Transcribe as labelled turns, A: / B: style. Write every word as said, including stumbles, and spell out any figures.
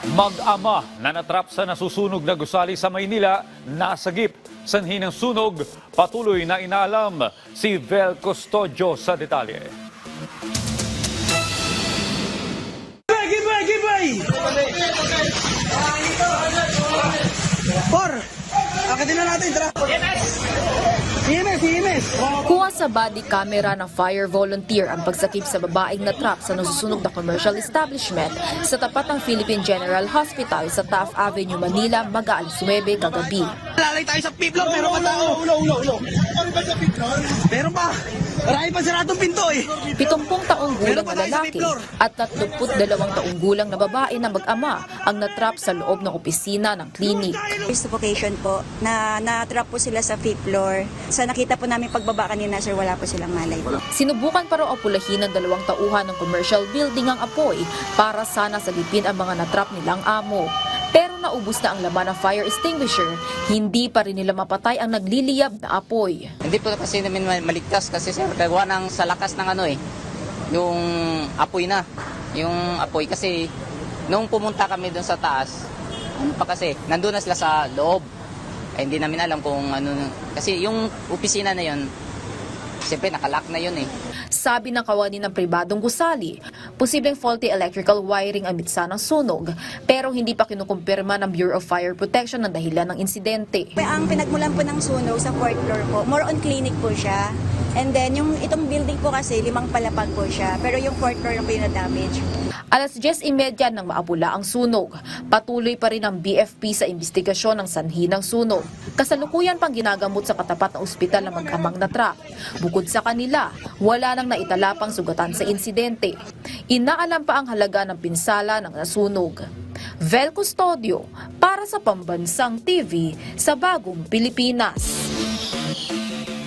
A: Mag-ama na natrap sa nasusunog na gusali sa Maynila, nasagip. Sanhi ng sunog, patuloy na inaalam si Vel Custodio sa detalye.
B: Giveaway! Giveaway! Por! Akitin na natin, tara! E M S! E M S!
C: Kuha sa body camera ng fire volunteer ang pagsakip sa babaeng natrap sa nasusunog na commercial establishment sa tapat ng Philippine General Hospital sa Taft Avenue, Manila, mag-aalas nuwebe kagabi.
B: Lalay tayo sa fifth-floor, meron pa tao! Ulo, ulo, ulo! Meron pa sa fifth-floor? Meron pa! Marami pa siratong pinto eh!
C: Pitongpong taong gulang na lalaki at tatlumput dalawang taong gulang na babae na mag-ama ang natrap sa loob ng opisina ng klinik.
D: Suffocation po, na na-trap po sila sa fifth floor. Sa nakita po namin pagbaba kanina, sir, wala po silang malay.
C: Sinubukan pa raw apulahin ng dalawang tauhan ng commercial building ang apoy para sana salipin ang mga natrap nilang amo. Pero naubos na ang laman ng fire extinguisher, hindi pa rin nila mapatay ang nagliliyab na apoy.
E: Hindi po kasi namin maligtas kasi sir, gawa ng sa lakas ng ano eh, yung apoy na. Yung apoy kasi, nung pumunta kami doon sa taas, ano pa kasi, nandun na sila sa loob. Eh, hindi namin alam kung ano, kasi yung opisina na yun, siyempre nakalock na yun eh.
C: Sabi ng kawani ng pribadong gusali, posibleng faulty electrical wiring ang mitsa ng sunog, pero hindi pa kinukumpirma ng Bureau of Fire Protection ang dahilan ng insidente.
D: Ang pinagmulan po ng sunog sa fourth floor po, more on clinic po siya. And then, yung itong building po kasi, limang palapag po siya. Pero yung fourth floor yung pinadamage.
C: Alas diyes trenta nang maapula ang sunog. Patuloy pa rin ang B F P sa investigasyon ng sanhi ng sunog. Kasalukuyan pang ginagamot sa katapat na ospital ng mag-amang natrap. Bukod sa kanila, wala nang naitalapang sugatan sa insidente. Inaalam pa ang halaga ng pinsala ng nasunog. Vel Custodio para sa Pambansang T V sa Bagong Pilipinas.